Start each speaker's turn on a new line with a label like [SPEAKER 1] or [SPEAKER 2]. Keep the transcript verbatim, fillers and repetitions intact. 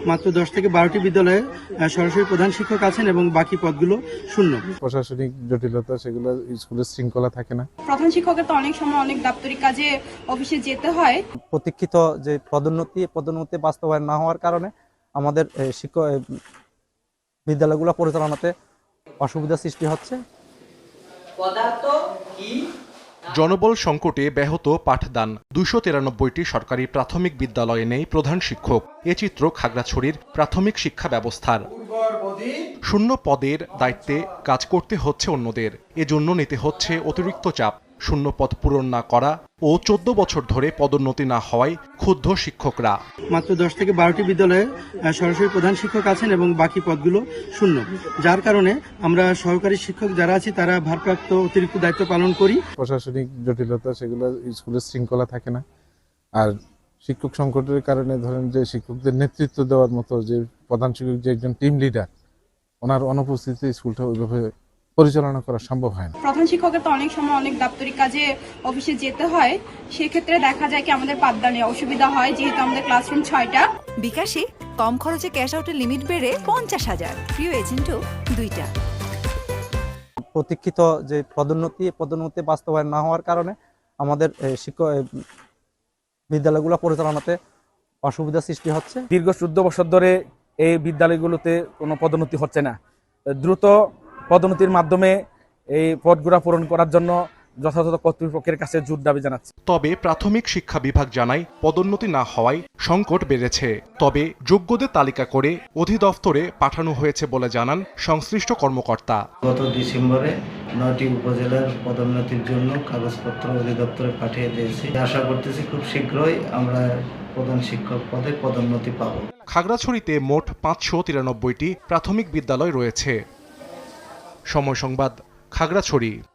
[SPEAKER 1] মাত্র দশ থেকে বারোটি বিদ্যালয়ে সরাসরি প্রধান শিক্ষক আছেন এবং বাকি পদগুলো শূন্য।
[SPEAKER 2] প্রশাসনিক জটিলতা, সেগুলো স্কুলের শৃঙ্খলা থাকে না।
[SPEAKER 3] প্রধান শিক্ষকের তো অনেক সময় অনেক দাপ্তরিক কাজে অফিসে যেতে হয়।
[SPEAKER 4] প্রতীক্ষিত যে পদোন্নতি পদোন্নতি বাস্তবায়ন না হওয়ার কারণে আমাদের শিক্ষক বিদ্যালয়গুলো পরিচালনাতে অসুবিধা সৃষ্টি হচ্ছে।
[SPEAKER 5] জনবল সংকটে ব্যাহত পাঠদান, দুইশো তিরানব্বইটি সরকারি প্রাথমিক বিদ্যালয়ে নেই প্রধান শিক্ষক। এ চিত্র খাগড়াছড়ির প্রাথমিক শিক্ষা ব্যবস্থার। শূন্য পদের দায়িত্বে কাজ করতে হচ্ছে অন্যদের, এজন্য নিতে হচ্ছে অতিরিক্ত চাপ। শূন্য পদ পূরণ না করা ও চোদ্দ বছর ধরে পদোন্নতি না হওয়ায় ক্ষুব্ধ শিক্ষকরা।
[SPEAKER 1] মাত্র দশ থেকে বারোটি বিদ্যালয়ে সরাসরি প্রধান শিক্ষক আছেন এবং বাকি পদগুলো শূন্য, যার কারণে আমরা সহকারী শিক্ষক যারা আছি তারা ভারপ্রাপ্ত অতিরিক্ত দায়িত্ব পালন করি।
[SPEAKER 2] প্রশাসনিক জটিলতা, সেগুলো স্কুলের শৃঙ্খলা থাকে না। আর শিক্ষক সংকটের কারণে ধরেন যে শিক্ষকদের নেতৃত্ব দেওয়ার মতো যে প্রধান শিক্ষক, যে একজন টিম লিডার, ওনার অনুপস্থিতিতে স্কুলটা ওইভাবে পরিচালনা করা সম্ভব হয় না।
[SPEAKER 3] প্রধান শিক্ষকের তো অনেক সময় অনেক দাপ্তরিক কাজে অফিসে যেতে হয়, সেক্ষেত্রে দেখা যায় কি আমাদের পাঠদানে অসুবিধা হয়, যেহেতু আমাদের ক্লাসরুম ছয়টা।
[SPEAKER 6] বিকাশে কম খরচে ক্যাশ আউটের লিমিট বেড়ে পঞ্চাশ হাজার, প্রিয় এজেন্টও দুইটা।
[SPEAKER 4] প্রতীক্ষিত যে পদোন্নতি পদোন্নতি বাস্তবায়ন না হওয়ার কারণে আমাদের শিক্ষক বিদ্যালয়গুলো পরিচালনাতে অসুবিধা সৃষ্টি হচ্ছে।
[SPEAKER 7] দীর্ঘ চোদ্দ বছর ধরে এই বিদ্যালয়গুলোতে কোনো পদোন্নতি হচ্ছে না। দ্রুত পদোন্নতির মাধ্যমে এই পদগুলো পূরণ করার জন্য যথাযথ কর্তৃপক্ষের কাছে জোর দাবি জানাচ্ছে।
[SPEAKER 5] তবে প্রাথমিক শিক্ষা বিভাগ জানায় পদোন্নতি না হওয়ায় সংকট বেড়েছে। তবে যোগ্যদের তালিকা করে অধিদপ্তরে পাঠানো হয়েছে বলে জানান সংশ্লিষ্ট কর্মকর্তা।
[SPEAKER 8] গত ডিসেম্বরে নয়টি উপজেলার পদোন্নতির জন্য কাগজপত্র অধিদপ্তরে পাঠিয়ে দিয়েছি। আশা করতেছি খুব শীঘ্রই আমরা প্রধান শিক্ষক পদে পদোন্নতি পাব।
[SPEAKER 5] খাগড়াছড়িতে মোট পাঁচশো তিরানব্বইটি প্রাথমিক বিদ্যালয় রয়েছে। সময় সংবাদ, খাগড়াছড়ি।